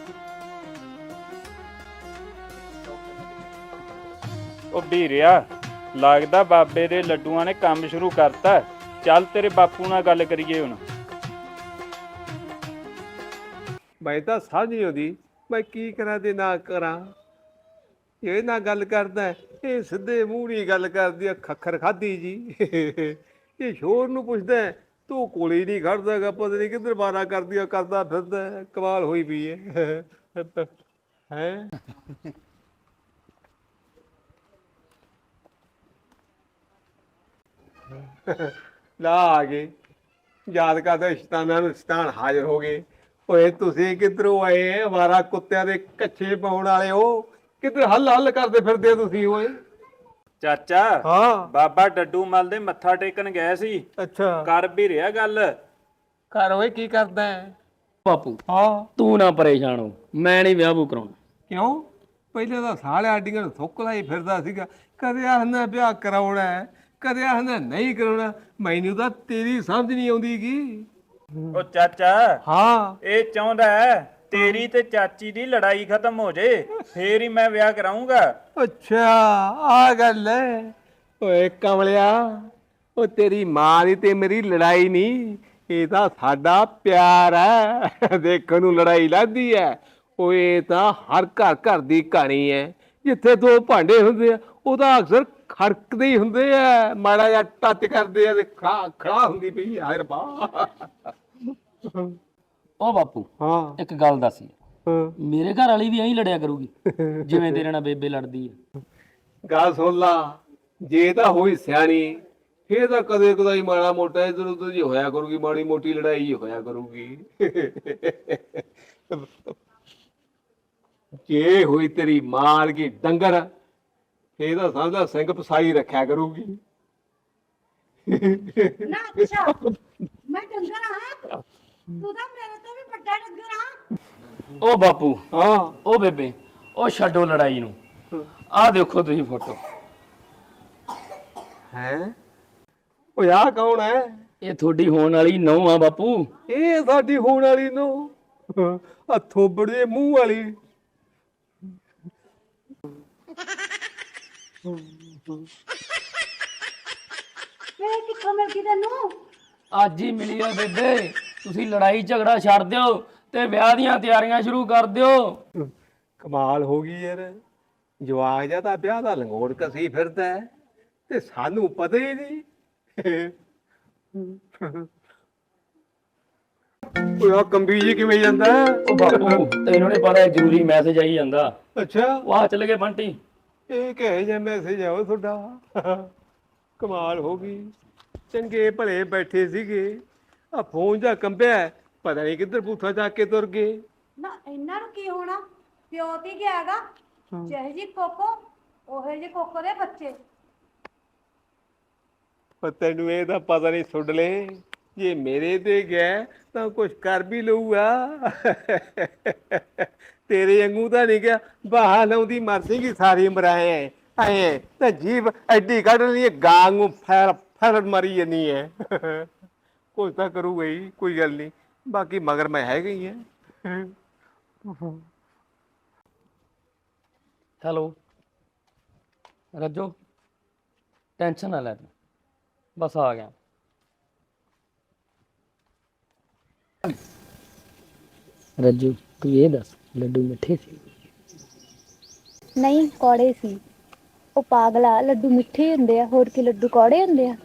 ਉਹ ਵੀਰਿਆ, ਲੱਗਦਾ ਬਾਬੇ ਦੇ ਲੱਡੂਆਂ ਨੇ ਕੰਮ ਸ਼ੁਰੂ ਕਰਤਾ। ਚੱਲ ਤੇਰੇ ਬਾਪੂ ਨਾਲ ਗੱਲ ਕਰੀਏ ਹੁਣ।
ਮੈਂ ਤਾਂ ਸਮਝ ਨਹੀਂ ਆਉਂਦੀ ਮੈਂ ਕੀ ਕਰਾਂ ਤੇ ਨਾ ਕਰਾਂ। ਇਹ ਨਾ ਗੱਲ ਕਰਦਾ ਹੈ, ਇਹ ਸਿੱਧੇ ਮੂੰਹ ਨਹੀਂ ਗੱਲ ਕਰਦੀ ਆ, ਖੱਖਰ ਖਾਦੀ ਜੀ। ਇਹ ਸ਼ੋਰ ਨੂੰ ਪੁੱਛਦਾ ਹੈ, ਤੂੰ ਕੋਲੇ ਨਹੀਂ ਖੜਦਾਗਾ, ਪਤਾ ਨਹੀਂ ਕਿੱਧਰ ਬਾਰਾ ਕਰਦੀ ਕਰਦਾ ਫਿਰਦਾ ਹੈ। ਕਮਾਲ ਹੋਈ ਪਈ ਹੈ ਹੈ ਲਾ ਆ ਗਏ, ਯਾਦ ਕਰਦਾ ਸ਼ਤਾਨਾਂ ਨੂੰ ਸ਼ਤਾਨ ਹਾਜ਼ਰ ਹੋ ਗਏ। ਓਏ ਤੁਸੀਂ ਕਿੱਧਰੋਂ ਆਏ? ਅਵਾਰਾ ਕੁੱਤਿਆਂ ਦੇ ਕੱਛੇ ਪਾਉਣ ਵਾਲੇ ਹੋ, ਕਿੱਧਰ ਹੱਲ ਹੱਲ ਕਰਦੇ ਫਿਰਦੇ ਤੁਸੀਂ? ਓਏ
ਚਾਚਾ,
ਹਾਂ
ਬਾਬਾ ਡੱਡੂ ਮੱਲ ਦੇ ਮੱਥਾ ਟੇਕਣ ਗਏ ਸੀ।
ਅੱਛਾ
ਕਰ ਵੀ ਰਿਹਾ ਗੱਲ।
ਘਰ ਓਏ ਕੀ ਕਰਦਾ ਹੈ?
ਬਾਪੂ
ਹਾਂ
ਤੂੰ ਨਾ ਪਰੇਸ਼ਾਨ ਹੋ, ਮੈਂ ਨਹੀਂ ਵਿਆਹ ਬੂ ਕਰਾਉਣਾ।
ਕਿਉਂ? ਪਹਿਲੇ ਤਾਂ ਸਾਲੇ ਆਡੀਆਂ ਨੂੰ ਥੁੱਕ ਲਾਈ ਫਿਰਦਾ ਸੀਗਾ, ਕਦੇ ਆਖਦਾ ਵਿਆਹ ਕਰਾਉਣਾ ਹੈ, ਕਦੇ ਆਖਦਾ ਨਹੀਂ ਕਰਾਉਣਾ। ਮੈਨੂੰ ਤਾਂ ਤੇਰੀ ਸਮਝ ਨਹੀਂ ਆਉਂਦੀਗੀ।
ਉਹ ਚਾਚਾ,
ਹਾਂ
ਇਹ ਚਾਹੁੰਦਾ ਹੈ ਤੇਰੀ ਤੇ ਚਾਚੀ ਦੀ ਲੜਾਈ ਖਤਮ ਹੋ ਜੇ, ਫੇਰ ਹੀ ਮੈਂ ਵਿਆਹ ਕਰਾਉਂਗਾ।
ਅੱਛਾ ਆ ਗੱਲ ਹੈ। ਓਏ ਕਮਲਿਆ, ਉਹ ਤੇਰੀ ਮਾਂ ਦੀ ਤੇ ਮੇਰੀ ਲੜਾਈ ਨਹੀਂ, ਇਹ ਤਾਂ ਸਾਡਾ ਪਿਆਰ ਹੈ। ਦੇਖਣ ਨੂੰ ਲੜਾਈ ਲੱਗਦੀ ਹੈ, ਓਏ ਤਾਂ ਹਰ ਘਰ ਘਰ ਦੀ ਕਹਾਣੀ ਹੈ। ਜਿੱਥੇ ਦੋ ਭਾਂਡੇ ਹੁੰਦੇ ਆ, ਉਹਦਾ ਅਕਸਰ ਖੜਕਦੇ ਹੀ ਹੁੰਦੇ ਆ, ਮਾੜਾ ਜਿਹਾ ਟੱਚ ਕਰਦੇ ਆ ਤੇ ਖੜਾ ਖੜਾ ਹੁੰਦੀ ਪਈ। ਹਾਏ ਰੱਬਾ।
ਉਹ ਬਾਪੂ
ਹਾਂ
ਇੱਕ ਗੱਲ ਦੱਸ, ਮੇਰੇ ਘਰ ਵਾਲੀ ਵੀ ਐਂ ਲੜਿਆ ਕਰੂਗੀ ਜਿਵੇਂ ਤੇਰੇ ਨਾਲ ਬੇਬੇ ਲੜਦੀ ਹੈ।
ਗੱਲ ਸੁਣ ਲਾ, ਜੇ ਤਾਂ ਹੋਈ ਸਿਆਣੀ ਫੇਰ ਤਾਂ ਕਦੇ ਕਦਾਈ ਮਾੜਾ ਮੋਟਾ ਇਧਰ ਉਧਰ ਜੀ ਹੋਇਆ ਕਰੂਗੀ, ਮਾੜੀ ਮੋਟੀ ਲੜਾਈ ਹੀ ਹੋਇਆ ਕਰੂਗੀ। ਜੇ ਹੋਈ ਤੇਰੀ ਮਾਰ ਕੀ ਡੰਗਰ ਫੇਰ ਤਾਂ ਸਮਝਦਾ ਸਿੰਘ ਪਸਾਈ ਰੱਖਿਆ ਕਰੂਗੀ।
ਨਾ ਅੱਛਾ ਮੈਂ ਡੰਗਰ ਹਾਂ, ਤੂੰ ਤਾਂ ਮੇਰੇ ਤੋਂ ਵੀ ਵੱਡਾ ਡੰਗਰ ਹਾਂ।
ਉਹ ਬਾਪੂ,
ਹਾਂ
ਉਹ ਬੇਬੇ, ਉਹ ਛੱਡੋ ਲੜਾਈ ਨੂੰ। ਆਹ ਦੇਖੋ ਤੁਸੀਂ ਫੋਟੋ,
ਹੈ ਉਹ ਆ ਕੌਣ ਹੈ?
ਇਹ ਤੁਹਾਡੀ ਹੋਣ ਵਾਲੀ ਨਹੁੰ ਆ ਬਾਪੂ।
ਇਹ ਸਾਡੀ ਹੋਣ ਵਾਲੀ ਨੂੰ ਆ ਥੋਬੜ ਦੇ ਮੂੰਹ ਵਾਲੀ।
ਵੇ ਕਿੱਥੋਂ ਮਿਲ ਗਈ ਤੈਨੂੰ?
ਅੱਜ ਹੀ ਮਿਲੀ ਆ ਬੇਬੇ। ਤੁਸੀਂ ਲੜਾਈ ਝਗੜਾ ਛੱਡ ਦਿਓ ਤੇ ਵਿਆਹ ਦੀਆਂ ਤਿਆਰੀਆਂ ਸ਼ੁਰੂ ਕਰ ਦਿਓ।
ਕਮਾਲ ਹੋ ਗਈ ਯਾਰ, ਜਵਾਕ ਜਾਂ ਤਾਂ ਵਿਆਹ ਦਾ ਲੰਗੋੜ ਕਸੀ ਫਿਰਦਾ ਹੈ ਤੇ ਸਾਨੂੰ ਪਤਾ ਹੀ ਨਹੀਂ। ਉਹ ਆ ਕੰਬੀ ਜੀ ਕਿਵੇਂ ਜਾਂਦਾ?
ਉਹ ਬਾਪੂ ਤੈਨੂੰ ਨਹੀਂ ਪਤਾ ਜ਼ਰੂਰੀ ਮੈਸੇਜ ਆਈ ਜਾਂਦਾ।
ਅੱਛਾ,
ਉਹ ਆ ਚੱਲ ਗਏ ਬੰਟੀ।
ਇਹ ਕਹੇ ਜੇ ਮੈਸੇਜ ਆਓ ਤੁਹਾਡਾ? ਕਮਾਲ ਹੋ ਗਈ, ਚੰਗੇ ਭਲੇ ਬੈਠੇ ਸੀਗੇ, ਆ ਫੋਨ ਜਾਂ ਕੰਬਿਆ, ਪਤਾ ਨਹੀਂ ਕਿੱਧਰ ਬੂਥਾ ਚੱਕ ਕੇ ਤੁਰ ਗਏ।
ਨਾ ਇਹਨਾਂ ਨੂੰ ਕੀ ਹੋਣਾ, ਪਿਓ ਤੇ ਗਿਆਗਾ। ਜਿਹੇ ਜੀ ਕੋਕੋ ਉਹੇ ਜੇ ਕੋਕੋ ਦੇ ਬੱਚੇ।
ਪਰ ਤੈਨੂੰ ਇਹ ਤਾਂ ਪਤਾ ਨਹੀਂ ਸੁੱਡ ਲੈ, ਜੇ ਮੇਰੇ ਤੇ ਗਿਆ ਤਾਂ ਕੁਛ ਕਰ ਵੀ ਲਊਗਾ। ਤੇਰੇ ਵਾਂਗੂ ਤਾਂ ਨਹੀਂ ਗਿਆ, ਬਾਹਾਂ ਲਾਉਂਦੀ ਮਰ ਜਾਏਗੀ ਸਾਰੀ ਉਮਰ। ਆਏ ਆਏ ਤਾਂ ਜੀਭ ਐਡੀ ਕੱਢ ਲਈ ਹੈ, ਗਾਂ ਨੂੰ ਫੈਰ ਫੈਰ ਮਰੀ ਜਾਨੀ ਹੈ। ਕੁਛ ਤਾਂ ਕਰੂਗਾ ਹੀ, ਕੋਈ ਗੱਲ ਨਹੀਂ, ਬਾਕੀ ਮਗਰ ਮੈਂ ਹੈਗਾ ਹੀ ਹੈ।
ਹੈਲੋ ਰੱਜੋ, ਟੈਨਸ਼ਨ ਨਾ ਲੈ ਤੂੰ, ਬਸ ਆ ਗਿਆ। ਰੱਜੂ ਤੂੰ ਇਹ ਦੱਸ, ਲੱਡੂ ਮਿੱਠੇ ਸੀ?
ਨਹੀਂ, ਕੌੜੇ ਸੀ। ਉਹ ਪਾਗਲਾ, ਲੱਡੂ ਮਿੱਠੇ ਹੁੰਦੇ ਆ, ਹੋਰ ਕੀ ਲੱਡੂ ਕੌੜੇ ਹੁੰਦੇ ਆ?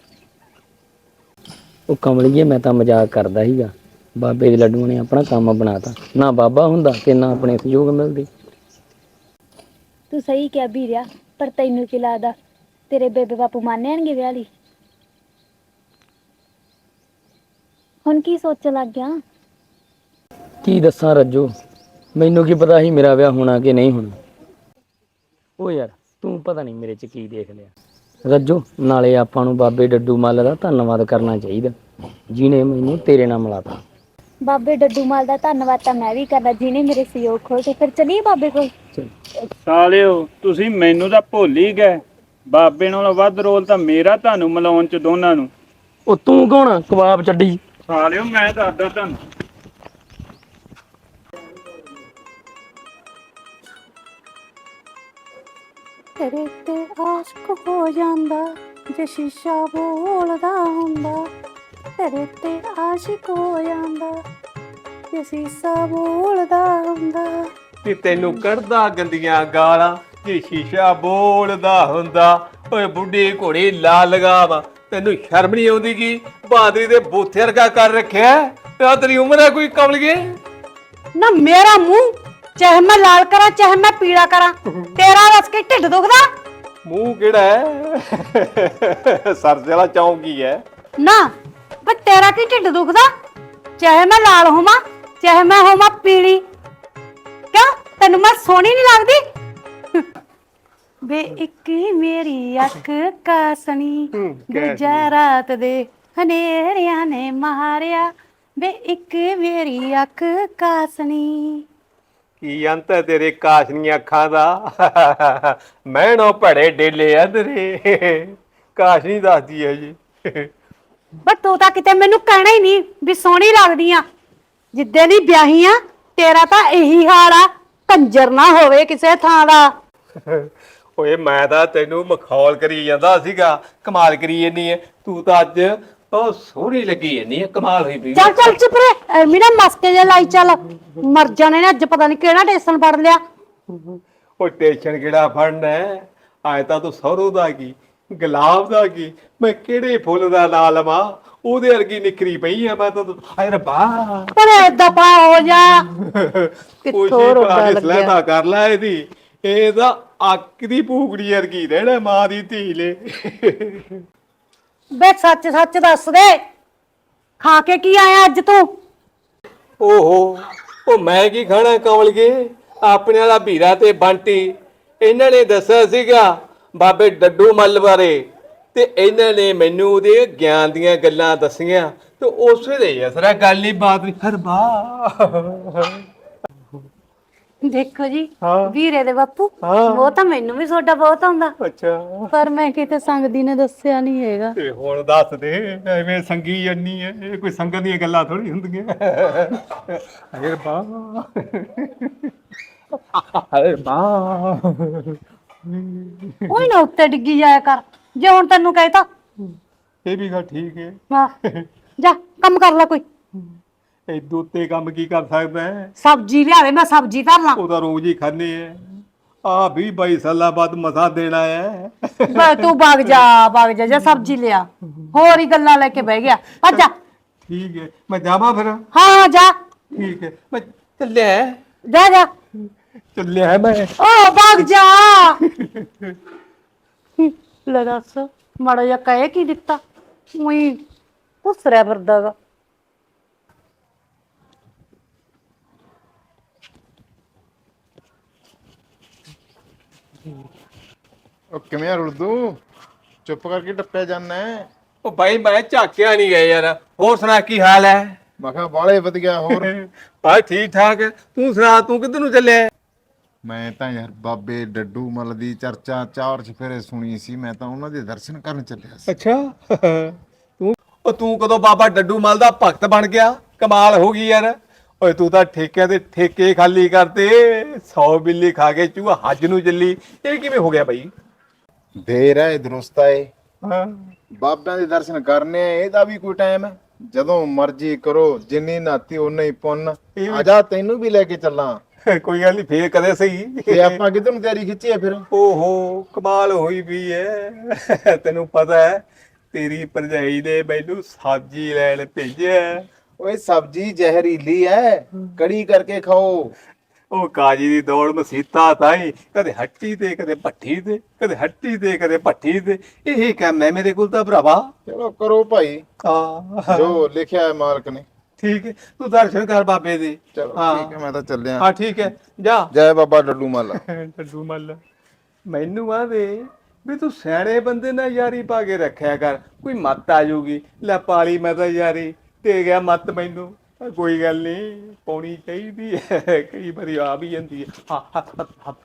ਉਹ ਕਮਲੀਏ, ਮੈਂ ਤਾਂ ਮਜ਼ਾਕ ਕਰਦਾ ਸੀਗਾ। ਬਾਬੇ ਦੇ ਲੱਡੂਆਂ ਨੇ ਆਪਣਾ ਕੰਮ ਬਣਾਤਾ, ਨਾ ਬਾਬਾ ਹੁੰਦਾ ਤੇ ਨਾ ਆਪਣੇ ਸਹਿਯੋਗ ਮਿਲਦੀ।
ਤੂੰ ਸਹੀ ਕਿਹਾ ਵੀਰਿਆ, ਪਰ ਤੈਨੂੰ ਕੀ ਲੱਗਦਾ ਤੇਰੇ ਬੇਬੇ ਬਾਪੂ ਮੰਨਣਗੇ ਵਿਆਹ ਲਈ? ਹੁਣ ਕੀ ਸੋਚਣ ਲੱਗ ਗਿਆ?
ਕੀ ਦੱਸਾਂ ਰੱਜੋ, ਮੈਨੂੰ ਕੀ ਪਤਾ ਸੀ ਮੇਰਾ ਵਿਆਹ ਹੋਣਾ ਕਿ ਨਹੀਂ ਹੋਣਾ। ਉਹ ਯਾਰ ਤੂੰ ਪਤਾ ਨਹੀਂ ਮੇਰੇ 'ਚ ਕੀ ਦੇਖ ਲਿਆ। ਰੱਜੋ ਨਾਲੇ ਆਪਾਂ ਨੂੰ ਬਾਬੇ ਡੱਡੂ ਮੱਲ ਦਾ ਧੰਨਵਾਦ ਕਰਨਾ ਚਾਹੀਦਾ, ਜਿਹਨੇ ਮੈਨੂੰ ਤੇਰੇ ਨਾਲ ਮਿਲਾਤਾ।
ਬਾਬੇ ਡੱਡੂ ਮਾਲ ਦਾ ਧੰਨਵਾਦ ਤਾਂ ਮੈਂ ਵੀ ਕਰਨਾ, ਜਿਹਨੇ ਮੇਰੇ ਸਹਿਯੋਗ ਖੋਲ੍ਹੇ। ਫਿਰ ਚਲੀਏ ਬਾਬੇ ਕੋਲ।
ਸਾਲਿਓ ਤੁਸੀਂ ਮੈਨੂੰ ਤਾਂ ਭੁੱਲ ਹੀ ਗਏ, ਬਾਬੇ ਨਾਲੋਂ ਵੱਧ ਰੋਲ ਤਾਂ ਮੇਰਾ ਤੁਹਾਨੂੰ ਮਿਲਾਉਣ ਚ ਦੋਨਾਂ ਨੂੰ।
ਉਹ ਤੂੰ ਕੌਣ ਆ ਕਬਾਬ ਚੱਡੀ?
ਸਾਲਿਓ ਮੈਂ ਦੱਸਦਾ ਤੁਹਾਨੂੰ।
ਤੇਰੇ ਤੇ ਆਸ਼ਕ ਹੋ ਜਾਂਦਾ ਜੇ ਸ਼ੀਸ਼ਾ ਬੋਲਦਾ ਹੁੰਦਾ। ਤੇਰੇ ਤੇ ਆਸ਼ਕ ਹੋ ਜਾਂਦਾ ਜੇ ਸ਼ੀਸ਼ਾ ਬੋਲਦਾ ਹੁੰਦਾ।
ਕਿ ਤੈਨੂੰ ਕੱਢਦਾ ਗੰਦੀਆਂ ਗਾਲਾਂ ਜੇ ਸ਼ੀਸ਼ਾ ਬੋਲਦਾ ਹੁੰਦਾ। ਓਏ ਬੁੱਢੀ ਘੋੜੀ ਲਾ ਲਗਾਵਾ, ਤੈਨੂੰ ਸ਼ਰਮ ਨਹੀਂ ਆਉਂਦੀ? ਕੀ ਬਹਾਦਰੀ ਦੇ ਬੂਥੇ ਵਰਗਾ ਕਰ ਰੱਖਿਆ? ਆ ਤੇਰੀ ਉਮਰ ਹੈ ਕੋਈ ਕਮਲੀਏ?
ਨਾ ਮੇਰਾ ਮੂੰਹ ਚਾਹੇ ਮੈਂ ਲਾਲ ਕਰਾਂ ਚਾਹੇ ਮੈਂ ਪੀਲਾ ਕਰਾਂ, ਤੇਰਾ ਦੱਸ ਕੇ ਢਿੱਡ ਦੁਖਦਾ?
ਮੂੰਹ ਕਿਹੜਾ ਹੈ? ਸਰਸੇ ਵਾਲਾ ਚੌਂਕੀ ਹੈ
ਨਾ ਬਈ ਤੇਰਾ ਕੀ ਢਿੱਡ ਦੁਖਦਾ? ਚਾਹੇ ਮੈਂ ਲਾਲ ਹੋਵਾਂ ਚਾਹੇ ਮੈਂ ਹੋਵਾਂ ਪੀਲੀ, ਕਿਉਂ ਤੈਨੂੰ ਮੈਂ ਸੋਹਣੀ ਨਹੀਂ ਲੱਗਦੀ? ਵੇ ਇੱਕ ਮੇਰੀ ਅੱਖ ਕਾਸਣੀ, ਦੂਜਾ ਰਾਤ ਦੇ ਹਨੇਰਿਆਂ ਨੇ ਮਾਰਿਆ। ਵੇ ਇੱਕ ਮੇਰੀ ਅੱਖ ਕਾਸਣੀ।
ਕੀ ਅੰਤ ਹੈ ਤੇਰੇ ਕਾਸ਼ਨੀਆਂ ਅੱਖਾਂ ਦਾ? ਮੈਣੋ ਭੜੇ ਡੇਲੇ ਆ ਤੇਰੇ। ਕਾਸ਼ਨੀ ਦੱਸਦੀ ਹੈ ਜੀ।
ਬਸ ਤੂੰ ਤਾਂ ਕਿਤੇ ਮੈਨੂੰ ਕਹਿਣਾ ਹੀ ਨਹੀਂ ਵੀ ਸੋਹਣੀ ਲੱਗਦੀ ਆ। ਜਿੱਦੇ ਦੀ ਵਿਆਹੀ ਆ ਤੇਰਾ ਤਾਂ ਇਹੀ ਹਾਲ ਆ, ਕੰਜਰ ਨਾ ਹੋਵੇ ਕਿਸੇ ਥਾਂ ਦਾ।
ਓਏ ਮੈਂ ਤਾਂ ਤੈਨੂੰ ਮਖੌਲ ਕਰੀ ਜਾਂਦਾ ਸੀਗਾ, ਕਮਾਲ ਕਰੀ ਜਾਂਦੀ ਹੈ ਤੂੰ ਤਾਂ। ਅੱਜ ਬਹੁਤ ਸੋਹਣੀ ਲੱਗੀ ਜਾਂਦੀ ਹੈ, ਕਮਾਲ ਹੋਈ ਪਈ।
ਚੱਲ ਚੱਲ ਚੁੱਪ ਰੇ, ਐਵੇਂ ਨਾ ਮਸਕੇ ਜੇ ਲਾਈ ਚੱਲ। ਮਰ ਜਾਣੇ ਨੇ ਅੱਜ, ਪਤਾ ਨਹੀਂ ਕਿਹੜਾ ਟੇਸ਼ਨ ਫੜ ਲਿਆ।
ਉਹ ਟੇਸ਼ਨ ਕਿਹੜਾ ਫੜਨਾ ਹੈ? ਆਏ ਤਾਂ ਤੂੰ ਸਹੁਰੋਂ ਦਾ ਕੀ, ਗੁਲਾਬ ਦਾ ਕੀ, ਮੈਂ ਕਿਹੜੇ ਫੁੱਲ ਦਾ ਨਾਂ ਲਵਾਂ? ਉਹਦੇ ਵਰਗੀ ਨਿਕਰੀ ਪਈ ਆ ਮੈਂ ਤਾਂ। ਹਾਏ ਰੱਬਾ,
ਪਰ ਏਦਾਂ ਪਾ ਹੋ ਜਾ।
ਕੋਈ
ਕਿੱਥੋਂ ਰੋਗਾ
ਭਰਾ ਦੀ
ਲੱਗਿਆ।
ਸਲਾਹਤਾ ਕਰ ਲੈ ਇਹਦੀ। ਇਹ ਤਾਂ ਅੱਕ ਦੀ ਭੂਕੜੀ ਵਰਗੀ ਰਹਿਣਾ ਮਾਂ ਦੀ ਧੀ ਲੈ।
ਬੇ ਸੱਚ ਸੱਚ ਦੱਸ ਦੇ, ਖਾ ਕੇ ਕੀ ਆਇਆ ਅੱਜ ਤੂੰ?
ਓਹੋ, ਉਹ ਮੈਂ ਕੀ ਖਾਣਾ ਕਮਲਗੇ? ਆਪਣੇ ਵਾਲਾ ਵੀਰਾ ਤੇ ਬੰਟੀ ਇਹਨਾਂ ਨੇ ਦੱਸਿਆ ਸੀਗਾ ਬਾਬੇ ਡੱਡੂ ਮੱਲ ਬਾਰੇ, ਤੇ ਇਹਨਾਂ ਨੇ ਮੈਨੂੰ ਉਹਦੇ ਗਿਆਨ ਦੀਆਂ ਗੱਲਾਂ ਦੱਸੀਆਂ, ਤੇ ਉਸੇ ਦੇ ਅਸਰਾ ਗੱਲ ਨਹੀਂ ਬਾਤ ਨਹੀਂ। ਹਰਬਾ
ਦੇਖੋ ਜੀ,
ਹਾਂ।
ਵੀਰੇ ਦੇ ਬਾਪੂ,
ਹਾਂ।
ਉਹ ਤਾਂ ਮੈਨੂੰ ਵੀ ਤੁਹਾਡਾ ਬਹੁਤ ਆਉਂਦਾ,
ਅੱਛਾ,
ਪਰ ਮੈਂ ਕਿਤੇ ਸੰਗਦੀ ਨੇ ਦੱਸਿਆ ਨਹੀਂ ਹੈਗਾ।
ਤੇ ਹੁਣ ਦੱਸ ਦੇ, ਐਵੇਂ ਸੰਗੀ ਜੰਨੀ ਐ, ਇਹ ਕੋਈ ਸੰਗਤ ਦੀਆਂ ਗੱਲਾਂ ਥੋੜੀ ਹੁੰਦੀਆਂ। ਹਰਬਾ ਹਰਬਾ
ਕੋਈ ਨਾ ਉੱਤੇ ਡਿੱਗੀ ਜਾਇਆ ਕਰ, ਜੇ ਹੁਣ ਤੈਨੂੰ ਕਹਿਤਾ।
ਇਹ ਵੀ ਗੱਲ ਠੀਕ ਹੈ।
ਵਾਹ, ਜਾ ਕੰਮ ਕਰ ਲੈ ਕੋਈ।
ਇਦੋਂ ਉੱਤੇ ਕੰਮ ਕੀ ਕਰ ਸਕਦਾ ਹੈ?
ਸਬਜ਼ੀ ਲਿਆਵੇ, ਮੈਂ ਸਬਜ਼ੀ ਧਰ ਲਾਂ।
ਉਹ ਤਾਂ ਰੋਜ਼ ਹੀ ਖਾਂਦੇ ਐ। ਆ ਵੀ ਬਾਈ ਸਾਲਾਂ ਬਾਅਦ ਮਸਾ ਦੇਣਾ ਹੈ।
ਬਸ ਤੂੰ ਵਗ ਜਾ ਵਗ ਜਾ, ਜਾ ਸਬਜ਼ੀ ਲਿਆ, ਹੋਰ ਹੀ ਗੱਲਾਂ ਲੈ ਕੇ ਬਹਿ ਗਿਆ। ਭੱਜ ਜਾ।
ਠੀਕ ਹੈ, ਮੈਂ ਜਾਵਾਂ ਫਿਰ।
ਹਾਂ ਜਾ
ਠੀਕ ਹੈ, ਮੈਂ ਚੱਲਿਆ
ਜਾ ਜਾ।
ਚੱਲਿਆ ਮੈਂ।
ਓ ਵਗ ਜਾ। ਲੈ ਦੱਸ, ਮਾੜਾ ਜਿਹਾ ਕਹਿ ਕੀ ਦਿੱਤਾ? ਉਹੀ ਘੁਸਰਿਆ ਫਿਰਦਾ ਗਾ।
ਉਹ ਕਿਵੇਂ ਆ ਰੁਲਦੂ? ਚੁੱਪ ਕਰਕੇ ਟੱਪਿਆ ਜਾਂਦਾ ਹੈ।
ਉਹ ਬਾਈ ਮੈਂ ਝਾਕਿਆ ਨਹੀਂ ਗਿਆ ਯਾਰ। ਹੋਰ ਸੁਣਾ ਕੀ ਹਾਲ ਹੈ?
ਮੈਂ ਕਿਹਾ ਬਾਲੇ ਵਧੀਆ। ਹੋਰ
ਬਾਈ ਠੀਕ ਠਾਕ। ਤੂੰ ਸੁਣਾ, ਤੂੰ ਕਿੱਧਰ ਨੂੰ ਚੱਲਿਆ?
ਮੈਂ ਤਾਂ ਯਾਰ ਬਾਬੇ ਡੱਡੂ ਮੱਲ ਦੀ ਚਰਚਾ ਚਾਰ ਚਫੇਰੇ ਸੁਣੀ ਸੀ, ਮੈਂ ਤਾਂ ਉਹਨਾਂ ਦੇ ਦਰਸ਼ਨ ਕਰਨ ਚੱਲਿਆ ਸੀ।
ਅੱਛਾ, ਤੂੰ ਉਹ ਤੂੰ ਕਦੋਂ ਬਾਬਾ ਡੱਡੂ ਮੱਲ ਦਾ ਭਗਤ ਬਣ ਗਿਆ? ਕਮਾਲ ਹੋ ਗਈ ਯਾਰ। ਓਏ ਤੂੰ ਤਾਂ ਠੇਕਿਆਂ ਦੇ ਠੇਕੇ ਖਾਲੀ ਕਰਤੇ, ਸੌ ਬਿੱਲੀ ਖਾ ਕੇ ਚੂਹਾ ਹੱਜ ਨੂੰ ਚੱਲੀ। ਇਹ ਕਿਵੇਂ ਹੋ ਗਿਆ ਬਾਈ?
ਦੇਰ ਹੈ ਦਰੁਸਤ ਹੈ।
ਹਾਂ,
ਬਾਬਿਆਂ ਦੇ ਦਰਸ਼ਨ ਕਰਨੇ ਆ, ਇਹਦਾ ਵੀ ਕੋਈ ਟਾਈਮ ਹੈ? ਜਦੋਂ ਮਰਜ਼ੀ ਕਰੋ, ਜਿੰਨੀ ਨਾਤੀ ਓਨਾ ਹੀ ਪੁੰਨ। ਆਜਾ ਤੈਨੂੰ ਵੀ ਲੈ ਕੇ ਚੱਲਾਂ।
ਕੋਈ ਗੱਲ ਨਹੀਂ, ਫੇਰ ਕਦੇ ਸਹੀ।
ਤੇ ਆਪਾਂ ਕਿੱਧਰ ਨੂੰ ਤਿਆਰੀ ਖਿੱਚੀ ਹੈ ਫਿਰ?
ਓਹੋ, ਕਮਾਲ ਹੋਈ ਵੀ ਐ। ਤੈਨੂੰ ਪਤਾ ਹੈ ਤੇਰੀ ਭਰਜਾਈ ਨੇ ਮੈਨੂੰ ਸਬਜ਼ੀ ਲੈਣ ਭੇਜਿਆ।
ਓਏ ਸਬਜ਼ੀ ਜ਼ਹਿਰੀਲੀ ਹੈ, ਕੜੀ ਕਰਕੇ ਖਾਓ।
ਉਹ ਕਾਜੀ ਦੀ ਦੌੜ ਮਸੀਤਾ ਤਾਈ, ਕਦੇ ਹੱਟੀ ਤੇ ਕਦੇ ਭੱਠੀ ਤੇ, ਕਦੇ ਹੱਟੀ ਤੇ ਕਦੇ ਭੱਠੀ ਤੇ। ਇਹ ਕੰਮ ਹੈ ਮੇਰੇ ਕੋਲ ਤਾਂ ਭਰਾਵਾ।
ਚਲੋ ਕਰੋ ਭਾਈ,
ਹਾਂ
ਜੋ ਲਿਖਿਆ ਹੈ ਮਾਲਕ ਨੇ।
ਠੀਕ ਹੈ, ਤੂੰ ਦਰਸ਼ਨ ਕਰ ਬਾਬੇ ਦੇ।
ਚਲੋ
ਹਾਂ।
ਠੀਕ ਹੈ, ਮੈਂ ਤਾਂ ਚੱਲਿਆ।
ਹਾਂ ਠੀਕ ਹੈ, ਜਾ।
ਜੈ ਬਾਬਾ ਡੱਡੂ ਮੱਲ।
ਡੱਡੂ ਮੱਲ ਮੈਨੂੰ ਆਵੇ ਵੀ ਤੂੰ ਸਿਆਣੇ ਬੰਦੇ ਨਾਲ ਯਾਰੀ ਪਾ ਕੇ ਰੱਖਿਆ ਕਰ, ਕੋਈ ਮੱਤ ਆ ਜਾਊਗੀ। ਲੈ ਪਾਲੀ ਮੈਂ ਤਾਂ ਯਾਰੀ, ਦੇ ਗਿਆ ਮੱਤ ਮੈਨੂੰ। ਕੋਈ ਗੱਲ ਨਹੀਂ, ਪਾਉਣੀ ਚਾਹੀਦੀ ਹੈ, ਕਈ ਵਾਰੀ ਆ ਵੀ ਜਾਂਦੀ ਹੈ। ਹਾਂ, ਹੱਥ ਹੱਥ ਹੱਥ।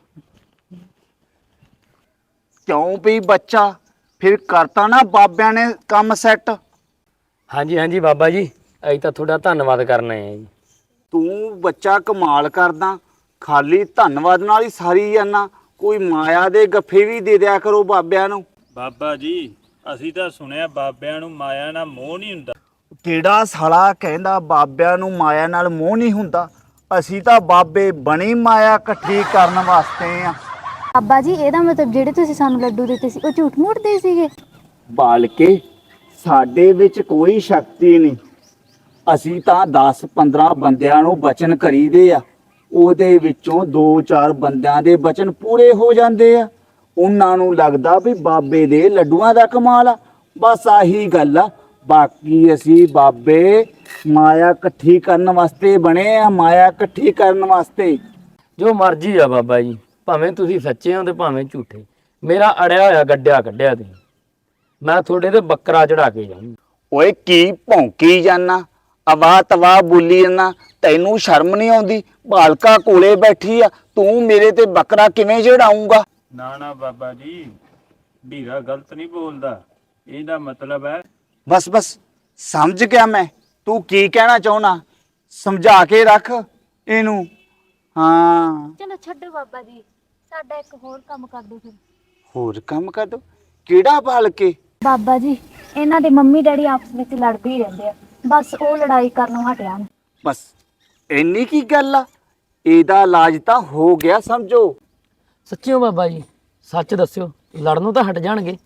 ਕਿਉਂ ਵੀ ਬੱਚਾ, ਫਿਰ ਕਰਤਾ ਨਾ ਬਾਬਿਆਂ ਨੇ ਕੰਮ ਸੈੱਟ।
ਹਾਂਜੀ ਹਾਂਜੀ ਬਾਬਾ ਜੀ, ਅਸੀਂ ਤਾਂ ਤੁਹਾਡਾ ਧੰਨਵਾਦ ਕਰਨਾ ਹੈ ਜੀ।
ਤੂੰ ਬੱਚਾ ਕਮਾਲ ਕਰਦਾ, ਖਾਲੀ ਧੰਨਵਾਦ ਨਾਲ ਹੀ ਸਾਰੀ ਜਾਨਾ। ਕੋਈ ਮਾਇਆ ਦੇ ਗੱਫੇ ਵੀ ਦੇ ਦਿਆ ਕਰੋ ਬਾਬਿਆਂ ਨੂੰ।
ਬਾਬਾ ਜੀ, ਅਸੀਂ ਤਾਂ ਸੁਣਿਆ ਬਾਬਿਆਂ ਨੂੰ ਮਾਇਆ ਨਾਲ ਮੋਹ ਨਹੀਂ ਹੁੰਦਾ।
ਕਿਹੜਾ ਸਾਲਾ ਕਹਿੰਦਾ ਬਾਬਿਆਂ ਨੂੰ ਮਾਇਆ ਨਾਲ ਮੋਹ ਨਹੀਂ ਹੁੰਦਾ? ਅਸੀਂ ਤਾਂ ਬਾਬੇ ਬਣੀ ਮਾਇਆ ਇਕੱਠੀ ਕਰਨ ਵਾਸਤੇ ਆ।
ਬਾਬਾ ਜੀ, ਇਹਦਾ ਮਤਲਬ ਜਿਹੜੇ ਤੁਸੀਂ ਸਾਨੂੰ ਲੱਡੂ ਦਿੱਤੇ ਸੀ ਉਹ ਝੂਠ ਮੂਠਦੇ ਸੀਗੇ?
ਬਾਲਕੇ, ਸਾਡੇ ਵਿੱਚ ਕੋਈ ਸ਼ਕਤੀ ਨਹੀਂ। ਅਸੀਂ ਤਾਂ ਦਸ ਪੰਦਰਾਂ ਬੰਦਿਆਂ ਨੂੰ ਬਚਨ ਕਰੀਦੇ ਆ, ਉਹਦੇ ਵਿੱਚੋਂ ਦੋ ਚਾਰ ਬੰਦਿਆਂ ਦੇ ਬਚਨ ਪੂਰੇ ਹੋ ਜਾਂਦੇ ਆ। ਉਹਨਾਂ ਨੂੰ ਲੱਗਦਾ ਵੀ ਬਾਬੇ ਦੇ ਲੱਡੂਆਂ ਦਾ ਕਮਾਲ ਆ। ਬਸ ਆਹੀ ਗੱਲ ਆ। ਬਾਕੀ ਅਸੀਂ ਬਾਬੇ ਮਾਇਆ ਇਕੱਠੀ ਕਰਨ ਵਾਸਤੇ ਬਣੇ ਆ, ਮਾਇਆ ਇਕੱਠੀ ਕਰਨ ਵਾਸਤੇ।
ਜੋ ਮਰਜ਼ੀ ਆ ਬਾਬਾ ਜੀ, ਭਾਵੇਂ ਤੁਸੀਂ ਸੱਚੇ ਹੋ ਤੇ ਭਾਵੇਂ ਝੂਠੇ, ਮੇਰਾ ਅੜਿਆ ਹੋਇਆ ਗੱਡਿਆ ਕੱਢਿਆ ਤੁਸੀਂ। ਮੈਂ ਤੁਹਾਡੇ ਤੇ ਬੱਕਰਾ ਚੜਾ ਕੇ ਜਾਊਂ।
ਓਏ ਕੀ ਭੌਂਕੀ ਜਾਨਾ, ਅਵਾ ਤਵਾ ਬੋਲੀ ਜਾਨਾ? ਤੈਨੂੰ ਸ਼ਰਮ ਨਹੀਂ ਆਉਂਦੀ? ਬਾਲਕਾ ਕੋਲੇ ਬੈਠੀ ਆ, ਤੂੰ ਮੇਰੇ ਤੇ ਬੱਕਰਾ ਕਿਵੇਂ ਚੜਾਊਂਗਾ?
ਨਾ ਨਾ ਬਾਬਾ ਜੀ, ਵੀਰਾ ਗਲਤ ਨਹੀਂ ਬੋਲਦਾ। ਇਹਦਾ ਮਤਲਬ ਹੈ
ਬਸ ਬਸ ਸਮਝ ਗਿਆ ਮੈਂ, ਤੂੰ ਕੀ ਕਹਿਣਾ ਚਾਹੁੰਦਾ। ਸਮਝਾ ਕੇ ਰੱਖ ਇਹਨੂੰ। ਹਾਂ,
ਚਲੋ ਛੱਡੋ ਬਾਬਾ ਜੀ, ਸਾਡਾ ਇੱਕ ਹੋਰ ਕੰਮ ਕਰ ਦਿਓ ਫਿਰ।
ਹੋਰ ਕੰਮ ਕਰ ਦੋ? ਕਿਹੜਾ ਬਾਲਕੇ?
ਬਾਬਾ ਜੀ, ਇਹਨਾਂ ਦੇ ਮੰਮੀ ਡੈਡੀ ਆਪਸ ਵਿੱਚ ਲੜਦੇ ਹੀ ਰਹਿੰਦੇ ਆ, ਬਸ ਉਹ ਲੜਾਈ ਕਰਨੋਂ ਹਟਿਆ ਨਾ।
ਬਸ ਇੰਨੀ ਕੀ ਗੱਲ ਆ? ਇਹਦਾ ਇਲਾਜ ਤਾਂ ਹੋ ਗਿਆ ਸਮਝੋ।
ਸੱਚਿਓ ਬਾਬਾ ਜੀ, ਸੱਚ ਦੱਸਿਓ, ਲੜਨੋਂ ਤਾਂ ਹਟ ਜਾਣਗੇ।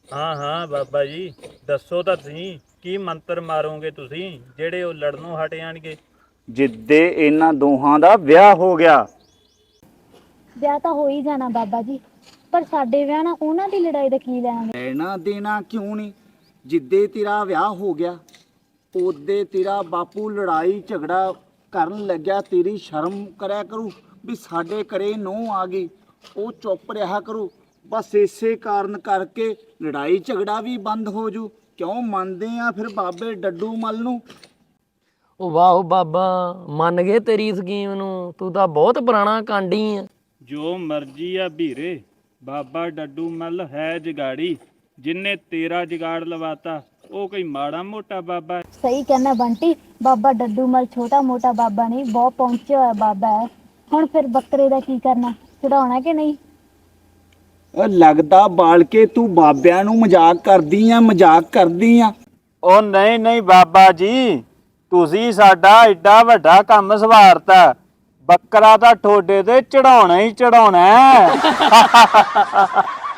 ਹਾਂ ਹਾਂ ਬਾਬਾ ਜੀ, ਦੱਸੋ ਤਾਂ ਸਹੀ, ਕੀ ਮੰਤਰ ਮਾਰੋਗੇ ਤੁਸੀਂ ਜਿਹੜੇ ਉਹ ਲੜਨੋਂ ਹਟ ਜਾਣਗੇ?
ਜਿੱਦੇ ਇਹਨਾਂ ਦੋਹਾਂ ਦਾ ਵਿਆਹ ਹੋ ਗਿਆ।
ਵਿਆਹ ਤਾਂ ਹੋ ਹੀ ਜਾਣਾ ਬਾਬਾ ਜੀ, ਪਰ ਸਾਡੇ ਵਿਆਹ ਨਾਲ ਉਹਨਾਂ ਦੀ ਲੜਾਈ ਦਾ ਕੀ ਲੈਣਾ?
ਲੈਣਾ ਦੇਣਾ ਕਿਉਂ ਨਹੀਂ? ਜਿੱਦੇ ਤੇਰਾ ਵਿਆਹ ਹੋ ਗਿਆ ਉਹਦੇ ਤੇਰਾ ਬਾਪੂ ਲੜਾਈ ਝਗੜਾ ਕਰਨ ਲੱਗਿਆ, ਤੇਰੀ ਸ਼ਰਮ ਕਰਿਆ ਕਰੂ ਵੀ ਸਾਡੇ ਘਰੇ ਨੂੰਹ ਆ ਗਈ, ਉਹ ਚੁੱਪ ਰਿਹਾ ਕਰੂ। ਬਸ ਇਸੇ ਕਾਰਨ ਕਰਕੇ ਲੜਾਈ ਝਗੜਾ ਵੀ ਬੰਦ ਹੋ ਜੂ। ਕਿਉਂ ਮੰਨਦੇ ਆ ਫਿਰ ਬਾਬੇ ਡੱਡੂ ਮੱਲ ਨੂੰ?
ਉਹ ਵਾਹ ਬਾਬਾ, ਮੰਨ ਗਏ ਤੇਰੀ ਸਕੀਮ ਨੂੰ, ਤੂੰ ਤਾਂ ਬਹੁਤ ਪੁਰਾਣਾ ਕਾਂਡੀ ਆ।
ਜੋ ਮਰਜੀ ਆ ਵੀਰੇ, ਬਾਬਾ ਡੱਡੂ ਮੱਲ ਹੈ ਜਗਾੜੀ, ਜਿੰਨੇ ਤੇਰਾ ਜਗਾੜ ਲਵਾਤਾ ਉਹ ਕੋਈ ਮਾੜਾ ਮੋਟਾ ਬਾਬਾ ਹੈ?
ਸਹੀ ਕਹਿੰਦਾ ਬੰਟੀ, ਬਾਬਾ ਡੱਡੂ ਮਲ ਛੋਟਾ ਮੋਟਾ ਬਾਬਾ ਨਹੀਂ, ਬਹੁਤ ਪਹੁੰਚਿਆ ਹੋਇਆ ਬਾਬਾ ਹੈ। ਹੁਣ ਫਿਰ ਬੱਕਰੇ ਦਾ ਕੀ ਕਰਨਾ, ਚੜਾਉਣਾ ਕਿ ਨਹੀਂ?
ਉਹ ਲੱਗਦਾ ਬਾਲ ਕੇ ਤੂੰ ਬਾਬਿਆਂ ਨੂੰ ਮਜ਼ਾਕ ਕਰਦੀ ਆ, ਮਜ਼ਾਕ ਕਰਦੀ ਆ।
ਉਹ ਨਹੀਂ ਨਹੀਂ ਬਾਬਾ ਜੀ, ਤੁਸੀਂ ਸਾਡਾ ਐਡਾ ਵੱਡਾ ਕੰਮ ਸਵਾਰਤਾ, ਬੱਕਰਾ ਤਾਂ ਠੋਡੇ ਤੇ ਚੜਾਉਣਾ ਹੀ ਚੜਾਉਣਾ ਹੈ।